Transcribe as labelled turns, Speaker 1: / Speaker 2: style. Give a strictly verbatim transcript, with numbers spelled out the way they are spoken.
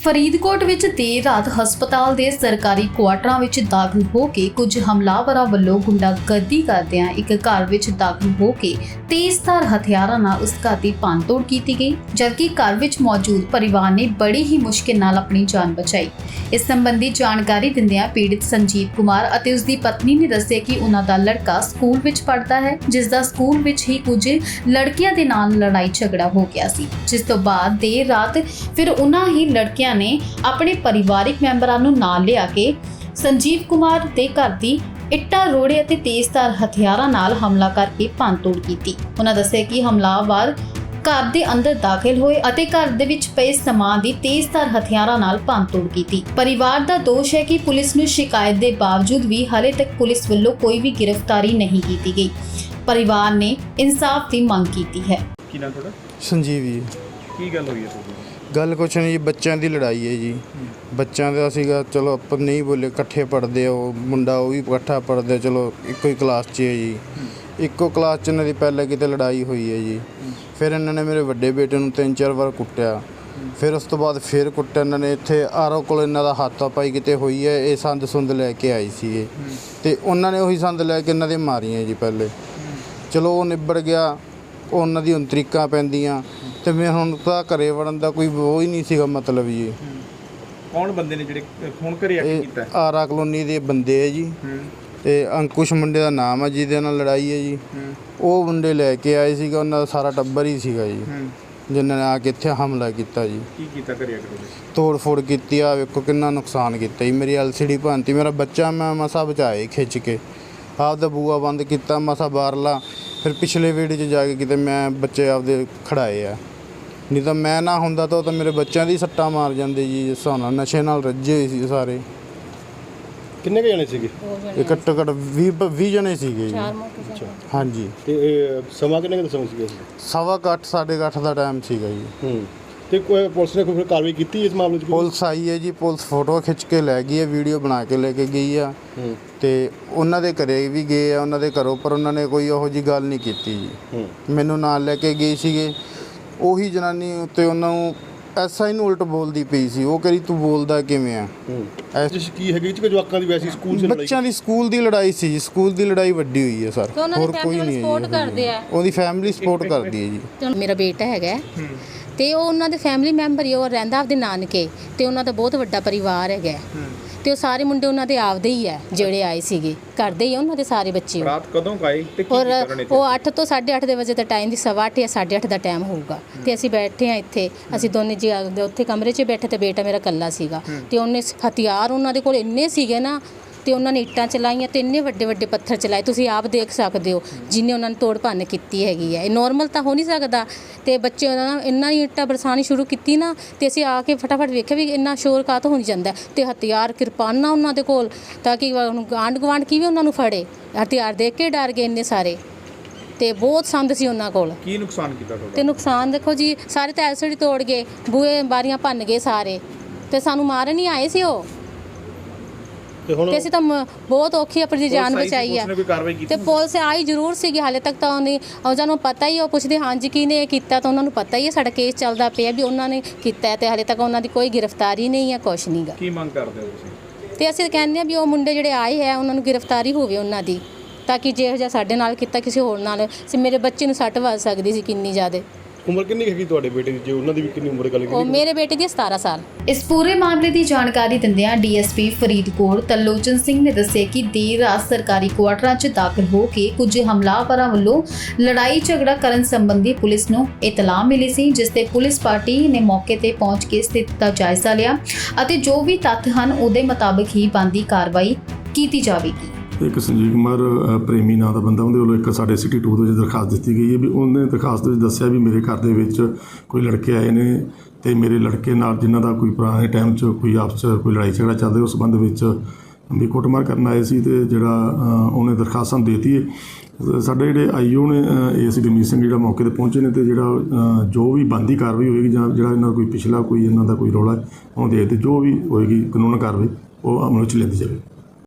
Speaker 1: ਫਰੀਦਕੋਟ ਵਿੱਚ ਦੇਰ ਰਾਤ ਹਸਪਤਾਲ ਦੇ ਸਰਕਾਰੀ ਕੁਆਟਰਾਂ ਵਿੱਚ ਦਾਖਲ ਹੋ ਕੇ ਕੁਝ ਹਮਲਾਵਰਾਂ ਵੱਲੋਂ ਗੁੰਡਾਗਰਦੀ ਕਰਦਿਆਂ ਇੱਕ ਘਰ ਵਿੱਚ ਦਾਖਲ ਹੋ ਕੇ ਤੇਜ਼ਧਾਰ ਹਥਿਆਰਾਂ ਨਾਲ ਉਸ ਘਰ ਦੀ ਭੰਨਤੋੜ ਕੀਤੀ ਗਈ, ਜਦਕਿ ਘਰ ਵਿੱਚ ਮੌਜੂਦ ਪਰਿਵਾਰ ਨੇ ਬੜੀ ਹੀ ਮੁਸ਼ਕਿਲ ਨਾਲ ਆਪਣੀ ਜਾਨ ਬਚਾਈ। ਇਸ ਸੰਬੰਧੀ ਜਾਣਕਾਰੀ ਦਿੰਦਿਆਂ ਪੀੜਿਤ ਸੰਜੀਵ ਕੁਮਾਰ ਅਤੇ ਉਸ ਦੀ ਪਤਨੀ ਨੇ ਦੱਸਿਆ ਕਿ ਉਹਨਾਂ ਦਾ ਲੜਕਾ ਸਕੂਲ ਵਿੱਚ ਪੜ੍ਹਦਾ ਹੈ, ਜਿਸ ਦਾ ਸਕੂਲ ਵਿੱਚ ਹੀ ਕੁਝ ਲੜਕੀਆਂ ਦੇ ਨਾਲ ਲੜਾਈ ਝਗੜਾ ਹੋ ਗਿਆ ਸੀ, ਜਿਸ ਤੋਂ ਬਾਅਦ ਦੇਰ ਰਾਤ ਫਿਰ ਉਹਨਾਂ ਹੀ ਲੜਕਿਆਂ ਨੇ ਆਪਣੇ ਪਰਿਵਾਰਿਕ ਮੈਂਬਰਾਂ ਨੂੰ ਨਾਲ ਲਿਆ ਕੇ ਸੰਜੀਵ ਕੁਮਾਰ ਦੇ ਘਰ ਦੀ ਇੱਟਾਂ ਰੋੜੇ ਅਤੇ ਤੇਜ਼ਧਾਰ ਹਥਿਆਰਾਂ ਨਾਲ ਹਮਲਾ ਕਰਕੇ ਭੰਨਤੋੜ ਕੀਤੀ। ਉਹਨਾਂ ਦੱਸਿਆ ਕਿ ਹਮਲਾਵਰ ਘਰ ਦੇ ਅੰਦਰ ਦਾਖਲ ਹੋਏ ਅਤੇ ਘਰ ਦੇ ਵਿੱਚ ਪਏ ਸਮਾਨ ਦੀ ਤੇਜ਼ਧਾਰ ਹਥਿਆਰਾਂ ਨਾਲ ਭੰਨਤੋੜ ਕੀਤੀ। ਪਰਿਵਾਰ ਦਾ ਦੋਸ਼ ਹੈ ਕਿ ਪੁਲਿਸ ਨੂੰ ਸ਼ਿਕਾਇਤ ਦੇ ਬਾਵਜੂਦ ਵੀ ਹਾਲੇ ਤੱਕ ਪੁਲਿਸ ਵੱਲੋਂ ਕੋਈ ਵੀ ਗ੍ਰਿਫਤਾਰੀ ਨਹੀਂ ਕੀਤੀ ਗਈ। ਪਰਿਵਾਰ ਨੇ ਇਨਸਾਫ ਦੀ ਮੰਗ ਕੀਤੀ ਹੈ।
Speaker 2: ਕੀ ਨਾਮ ਤੁਹਾਡਾ?
Speaker 3: ਸੰਜੀਵ ਜੀ।
Speaker 2: ਕੀ ਗੱਲ ਹੋਈ ਹੈ ਤੁਹਾਡੀ?
Speaker 3: ਗੱਲ ਕੁਛ ਨਹੀਂ ਜੀ, ਬੱਚਿਆਂ ਦੀ ਲੜਾਈ ਹੈ ਜੀ। ਬੱਚਿਆਂ ਦਾ ਸੀਗਾ, ਚਲੋ ਆਪਾਂ ਨਹੀਂ ਬੋਲੇ, ਇਕੱਠੇ ਪੜ੍ਹਦੇ ਆ, ਉਹ ਮੁੰਡਾ ਉਹ ਵੀ ਇਕੱਠਾ ਪੜ੍ਹਦੇ, ਚਲੋ ਇੱਕੋ ਹੀ ਕਲਾਸ 'ਚ ਹੈ ਜੀ। ਇੱਕੋ ਕਲਾਸ 'ਚ ਇਹਨਾਂ ਦੀ ਪਹਿਲਾਂ ਕਿਤੇ ਲੜਾਈ ਹੋਈ ਹੈ ਜੀ। ਫਿਰ ਇਹਨਾਂ ਨੇ ਮੇਰੇ ਵੱਡੇ ਬੇਟੇ ਨੂੰ ਤਿੰਨ ਚਾਰ ਵਾਰ ਕੁੱਟਿਆ, ਫਿਰ ਉਸ ਤੋਂ ਬਾਅਦ ਫਿਰ ਕੁੱਟਿਆ ਇਹਨਾਂ ਨੇ। ਇੱਥੇ ਆਰੋ ਕੋਲ ਇਹਨਾਂ ਦਾ ਹੱਥਾਪਾਈ ਕਿਤੇ ਹੋਈ ਹੈ। ਇਹ ਸੰਦ ਸੁੰਦ ਲੈ ਕੇ ਆਈ ਸੀ ਅਤੇ ਉਹਨਾਂ ਨੇ ਉਹੀ ਸੰਦ ਲੈ ਕੇ ਇਹਨਾਂ ਦੇ ਮਾਰੀਆਂ ਜੀ ਪਹਿਲੇ। ਚਲੋ ਉਹ ਨਿਬੜ ਗਿਆ, ਉਹਨਾਂ ਦੀ ਹੁਣ ਤਰੀਕਾਂ ਪੈਂਦੀਆਂ ਅਤੇ ਮੈਂ ਹੁਣ ਤਾਂ ਘਰੇ ਵੜਨ ਦਾ ਕੋਈ ਉਹ ਹੀ ਨਹੀਂ ਸੀਗਾ ਮਤਲਬ ਜੀ।
Speaker 2: ਕੌਣ ਬੰਦੇ ਨੇ ਜਿਹੜੇ ਫੋਨ ਘਰੇ ਆ ਕੇ ਕੀਤਾ?
Speaker 3: ਆਰਾ ਕਲੋਨੀ ਦੇ ਬੰਦੇ ਹੈ ਜੀ, ਅਤੇ ਅੰਕੁਸ਼ ਮੁੰਡੇ ਦਾ ਨਾਮ ਹੈ ਜਿਹਦੇ ਨਾਲ ਲੜਾਈ ਹੈ ਜੀ। ਉਹ ਮੁੰਡੇ ਲੈ ਕੇ ਆਏ ਸੀਗਾ, ਉਹਨਾਂ ਦਾ ਸਾਰਾ ਟੱਬਰ ਹੀ ਸੀਗਾ ਜੀ, ਜਿਨ੍ਹਾਂ ਨੇ ਆ ਕੇ ਇੱਥੇ ਹਮਲਾ ਕੀਤਾ ਜੀ।
Speaker 2: ਕੀ ਕੀਤਾ ਘਰੇ ਆ ਕੇ?
Speaker 3: ਤੋੜ ਫੋੜ ਕੀਤੀ ਆ, ਵੇਖੋ ਕਿੰਨਾ ਨੁਕਸਾਨ ਕੀਤਾ ਜੀ। ਮੇਰੀ ਐਲ ਸੀ ਡੀ ਭੰਨਤੀ, ਮੇਰਾ ਬੱਚਾ ਮੈਂ ਮਸਾ ਬਚਾਏ ਖਿੱਚ ਕੇ, ਆਪਦਾ ਬੂਆ ਬੰਦ ਕੀਤਾ ਮਸਾ ਬਾਹਰਲਾ। ਫਿਰ ਪਿਛਲੇ ਵਿਹੜੇ 'ਚ ਜਾ ਕੇ ਕਿਤੇ ਮੈਂ ਬੱਚੇ ਆਪਦੇ ਖੜਾਏ ਆ, ਨਹੀਂ ਤਾਂ ਮੈਂ ਨਾ ਹੁੰਦਾ ਤਾਂ ਉਹ ਤਾਂ ਮੇਰੇ ਬੱਚਿਆਂ ਦੀ ਸੱਟਾਂ ਮਾਰ ਜਾਂਦੇ ਜੀ। ਜਿਸ ਹਿਸਾਬ ਨਾਲ ਨਸ਼ੇ ਨਾਲ ਰੱਜੇ ਹੋਏ ਸੀ ਸਾਰੇ।
Speaker 4: ਕਿੰਨੇ ਕੁ ਜਣੇ ਸੀਗੇ?
Speaker 3: ਇਹ ਘੱਟੋ ਘੱਟ ਵੀਹ ਵੀਹ ਜਣੇ ਸੀਗੇ ਜੀ। ਹਾਂਜੀ।
Speaker 4: ਤੇ ਇਹ ਸਮਾਂ ਕਿੰਨੇ ਕੁ ਦਾ ਸਮਾਂ ਸੀਗਾ?
Speaker 3: ਸਵਾ ਕੁ ਅੱਠ ਸਾਢੇ ਕੁ ਅੱਠ ਦਾ ਟਾਈਮ ਸੀਗਾ ਜੀ।
Speaker 4: ਹੂੰ। ਤੇ ਕੋਈ ਪੁਲਿਸ ਨੇ ਕੋਈ ਕਾਰਵਾਈ ਕੀਤੀ ਇਸ ਮਾਮਲੇ 'ਚ?
Speaker 3: ਪੁਲਿਸ ਆਈ ਹੈ ਜੀ, ਪੁਲਿਸ ਫੋਟੋ ਖਿੱਚ ਕੇ ਲੈ ਗਈ ਹੈ, ਵੀਡੀਓ ਬਣਾ ਕੇ ਲੈ ਕੇ ਗਈ ਆ। ਅਤੇ ਉਹਨਾਂ ਦੇ ਘਰੇ ਵੀ ਗਏ ਆ, ਉਹਨਾਂ ਦੇ ਘਰੋਂ, ਪਰ ਉਹਨਾਂ ਨੇ ਕੋਈ ਉਹੋ ਜਿਹੀ ਗੱਲ ਨਹੀਂ ਕੀਤੀ ਜੀ। ਮੈਨੂੰ ਨਾਲ ਲੈ ਕੇ ਗਏ ਸੀਗੇ। ਉਹੀ ਜਨਾਨੀ ਉੱਤੇ ਉਹਨਾਂ ਨੂੰ ਐਸਾ ਹੀ ਨੂੰ ਉਲਟ ਬੋਲਦੀ ਪਈ ਸੀ। ਉਹ ਕਰੀ ਤੂੰ ਬੋਲਦਾ ਕਿਵੇਂ ਆ?
Speaker 4: ਜਿਸ ਕੀ ਹੈਗੀ ਕਿ ਜਵਾਕਾਂ ਦੀ ਵੈਸੀ ਸਕੂਲ 'ਚ ਲੜਾਈ? ਬੱਚਿਆਂ
Speaker 3: ਦੀ ਸਕੂਲ ਦੀ ਲੜਾਈ ਸੀ ਜੀ। ਸਕੂਲ ਦੀ ਲੜਾਈ ਵੱਡੀ ਹੋਈ ਹੈ ਸਰ, ਹੋਰ ਕੋਈ ਨਹੀਂ ਹੈ। ਉਹਦੀ ਫੈਮਿਲੀ ਸਪੋਰਟ ਕਰਦੀ ਹੈ ਜੀ।
Speaker 5: ਮੇਰਾ ਬੇਟਾ ਹੈਗਾ ਤੇ ਉਹ ਉਹਨਾਂ ਦੇ ਫੈਮਿਲੀ ਮੈਂਬਰ ਹੀ, ਉਹ ਰਹਿੰਦਾ ਆਪਦੇ ਨਾਨਕੇ, ਤੇ ਉਹਨਾਂ ਦਾ ਬਹੁਤ ਵੱਡਾ ਪਰਿਵਾਰ ਹੈਗਾ, ਤੇ ਉਹ ਸਾਰੇ ਮੁੰਡੇ ਉਹਨਾਂ ਦੇ ਆਪਦੇ ਹੀ ਹੈ ਜਿਹੜੇ ਆਏ ਸੀਗੇ, ਘਰ ਦੇ ਹੀ ਉਹਨਾਂ ਦੇ ਸਾਰੇ ਬੱਚੇ।
Speaker 2: ਰਾਤ ਕਦੋਂ ਆਏ ਤੇ ਕੀ
Speaker 5: ਔਰ ਉਹ ਅੱਠ ਤੋਂ ਸਾਢੇ ਅੱਠ ਦੇ ਵਜੇ ਦਾ ਟਾਈਮ ਦੀ, ਸਵਾ ਅੱਠ ਜਾਂ ਸਾਢੇ ਅੱਠ ਦਾ ਟਾਈਮ ਹੋਊਗਾ। ਤੇ ਅਸੀਂ ਬੈਠੇ ਹਾਂ ਇੱਥੇ, ਅਸੀਂ ਦੋਨੇ ਜੀ ਉੱਥੇ ਕਮਰੇ 'ਚ ਬੈਠੇ, ਤੇ ਬੇਟਾ ਮੇਰਾ ਇਕੱਲਾ ਸੀਗਾ। ਤੇ ਉਹਨੇ ਹਥਿਆਰ ਉਹਨਾਂ ਦੇ ਕੋਲ ਇੰਨੇ ਸੀਗੇ ਨਾ, ਤੇ ਉਹਨਾਂ ਨੇ ਇੱਟਾਂ ਚਲਾਈਆਂ ਤੇ ਇੰਨੇ ਵੱਡੇ ਵੱਡੇ ਪੱਥਰ ਚਲਾਏ, ਤੁਸੀਂ ਆਪ ਦੇਖ ਸਕਦੇ ਹੋ ਜਿੰਨੇ ਉਹਨਾਂ ਨੇ ਤੋੜ ਭੰਨ ਕੀਤੀ ਹੈਗੀ ਹੈ। ਇਹ ਨੋਰਮਲ ਤਾਂ ਹੋ ਨਹੀਂ ਸਕਦਾ। ਤੇ ਬੱਚੇ ਉਹਨਾਂ ਨੇ ਇੰਨਾ ਹੀ ਇੱਟਾਂ ਬਰਸਾਉਣੀ ਸ਼ੁਰੂ ਕੀਤੀ ਨਾ, ਤੇ ਅਸੀਂ ਆ ਕੇ ਫਟਾਫਟ ਵੇਖਿਆ ਵੀ ਇੰਨਾ ਸ਼ੋਰ ਕਾਹਤੋਂ ਹੋ ਜਾਂਦਾ। ਤੇ ਹਥਿਆਰ ਕਿਰਪਾਨਾਂ ਉਹਨਾਂ ਦੇ ਕੋਲ, ਤਾਂ ਕਿ ਆਂਢ ਗੁਆਂਢ ਕਿਵੇਂ ਉਹਨਾਂ ਨੂੰ ਫੜੇ। ਹਥਿਆਰ ਦੇਖ ਕੇ ਡਰ ਗਏ ਇੰਨੇ ਸਾਰੇ, ਤੇ ਬਹੁਤ ਸੰਦ ਸੀ ਉਹਨਾਂ ਕੋਲ।
Speaker 2: ਕੀ ਨੁਕਸਾਨ ਕੀਤਾ ਤੁਹਾਡਾ? ਤੇ
Speaker 5: ਨੁਕਸਾਨ ਦੇਖੋ ਜੀ, ਸਾਰੇ ਤਾਂ ਐਲ ਸੀ ਡੀ ਤੋੜ ਗਏ, ਬੂਹੇ ਬਾਰੀਆਂ ਭੰਨ ਗਏ ਸਾਰੇ, ਤੇ ਸਾਨੂੰ ਮਾਰਨ ਹੀ ਆਏ ਸੀ ਉਹ। ਤੇ ਅਸੀਂ ਤਾਂ ਬਹੁਤ ਔਖੀ ਆਪਣੀ ਜਾਨ ਬਚਾਈ ਆ। ਤੇ ਪੁਲਿਸ ਆਈ ਜ਼ਰੂਰ ਸੀਗੀ, ਹਾਲੇ ਤੱਕ ਤਾਂ ਉਹਨੇ ਉਹਨਾਂ ਨੂੰ ਪਤਾ ਹੀ, ਉਹ ਪੁੱਛਦੇ ਹਾਂਜੀ ਕੀ ਨੇ ਇਹ ਕੀਤਾ, ਤਾਂ ਉਹਨਾਂ ਨੂੰ ਪਤਾ ਹੀ ਹੈ ਸਾਡਾ ਕੇਸ ਚੱਲਦਾ ਪਿਆ ਵੀ ਉਹਨਾਂ ਨੇ ਕੀਤਾ, ਤੇ ਹਾਲੇ ਤੱਕ ਉਹਨਾਂ ਦੀ ਕੋਈ ਗ੍ਰਿਫਤਾਰੀ ਨਹੀਂ ਹੈ, ਕੁਛ ਨਹੀਂ ਗਾ।
Speaker 2: ਕੀ ਮੰਗ ਕਰਦੇ ਹੋ ਤੁਸੀਂ?
Speaker 5: ਤੇ ਅਸੀਂ ਕਹਿੰਦੇ ਹਾਂ ਵੀ ਉਹ ਮੁੰਡੇ ਜਿਹੜੇ ਆਏ ਹੈ ਉਹਨਾਂ ਨੂੰ ਗ੍ਰਿਫਤਾਰੀ ਹੋਵੇ ਉਹਨਾਂ ਦੀ, ਤਾਂ ਕਿ ਜਿਹੋ ਜਿਹਾ ਸਾਡੇ ਨਾਲ ਕੀਤਾ ਕਿਸੇ ਹੋਰ ਨਾਲ, ਮੇਰੇ ਬੱਚੇ ਨੂੰ ਸੱਟ ਵੱਜ ਸਕਦੀ ਸੀ ਕਿੰਨੀ ਜ਼ਿਆਦਾ।
Speaker 4: ਉਮਰ ਕਿੰਨੀ ਹੈਗੀ ਤੁਹਾਡੇ ਬੇਟੇ ਦੀ? ਜੇ ਉਹਨਾਂ ਦੀ ਵੀ ਕਿੰਨੀ ਉਮਰ ਗੱਲ ਕੀਤੀ?
Speaker 5: ਉਹ ਮੇਰੇ ਬੇਟੇ ਦੀ ਸਤਾਰਾਂ ਸਾਲ।
Speaker 1: ਇਸ ਪੂਰੇ ਮਾਮਲੇ ਦੀ ਜਾਣਕਾਰੀ ਦਿੰਦਿਆਂ D S P Faridkot Tarlochan Singh ਨੇ ਦੱਸਿਆ ਕਿ ਦੇਰ ਰਾਤ ਸਰਕਾਰੀ ਕੁਆਟਰਾਂ 'ਚ ਦਾਖਲ ਹੋ ਕੇ ਕੁਝ ਹਮਲਾਵਰਾਂ ਵੱਲੋਂ ਲੜਾਈ ਝਗੜਾ ਕਰਨ ਸੰਬੰਧੀ ਪੁਲਿਸ ਨੂੰ ਇਤਲਾਹ ਮਿਲੀ ਸੀ, ਜਿਸ ਤੇ ਪੁਲਿਸ ਪਾਰਟੀ ਨੇ ਮੌਕੇ ਤੇ ਪਹੁੰਚ ਕੇ ਸਥਿਤੀ ਦਾ ਜਾਇਜ਼ਾ ਲਿਆ ਅਤੇ ਜੋ ਵੀ ਤੱਥ ਹਨ ਉਹਦੇ ਮੁਤਾਬਕ ਹੀ ਬਣਦੀ ਕਾਰਵਾਈ ਕੀਤੀ ਜਾਵੇਗੀ।
Speaker 6: ਇੱਕ ਸੰਜੀਵ ਕੁਮਾਰ ਪ੍ਰੇਮੀ ਨਾਂ ਦਾ ਬੰਦਾ, ਉਹਦੇ ਵੱਲੋਂ ਇੱਕ ਸਾਡੇ ਸਿਟੀ ਟੂ ਦੇ ਵਿੱਚ ਦਰਖਾਸਤ ਦਿੱਤੀ ਗਈ ਹੈ ਵੀ ਉਹਨੇ ਦਰਖਾਸਤ ਵਿੱਚ ਦੱਸਿਆ ਵੀ ਮੇਰੇ ਘਰ ਦੇ ਵਿੱਚ ਕੋਈ ਲੜਕੇ ਆਏ ਨੇ, ਅਤੇ ਮੇਰੇ ਲੜਕੇ ਨਾਲ ਜਿਨ੍ਹਾਂ ਦਾ ਕੋਈ ਪੁਰਾਣੇ ਟਾਈਮ 'ਚ ਕੋਈ ਆਪਸ 'ਚ ਕੋਈ ਲੜਾਈ ਝਗੜਾ ਚੱਲਦਾ, ਉਸ ਸੰਬੰਧ ਵਿੱਚ ਵੀ ਕੁੱਟਮਾਰ ਕਰਨ ਆਏ ਸੀ। ਅਤੇ ਜਿਹੜਾ ਉਹਨੇ ਦਰਖਾਸਤ ਸਾਨੂੰ ਦੇ ਦਿੱਤੀ ਹੈ। ਸਾਡੇ ਜਿਹੜੇ ਆਈ ਓ ਨੇ ਏ ਸੀ ਗਰਮੀਤ ਸਿੰਘ ਜਿਹੜਾ ਮੌਕੇ 'ਤੇ ਪਹੁੰਚੇ ਨੇ, ਅਤੇ ਜਿਹੜਾ ਜੋ ਵੀ ਬਣਦੀ ਕਾਰਵਾਈ ਹੋਏਗੀ ਜਾਂ ਜਿਹੜਾ ਇਹਨਾਂ ਦਾ ਕੋਈ ਪਿਛਲਾ ਕੋਈ ਇਹਨਾਂ ਦਾ ਕੋਈ ਰੌਲਾ ਉਹਨੂੰ ਦੇਖਦੇ ਜੋ ਵੀ ਹੋਏਗੀ ਕਾਨੂੰਨ ਕਾਰਵਾਈ ਉਹ ਅਮਲ ਵਿੱਚ ਲੈਂਦੀ ਜਾਵੇ।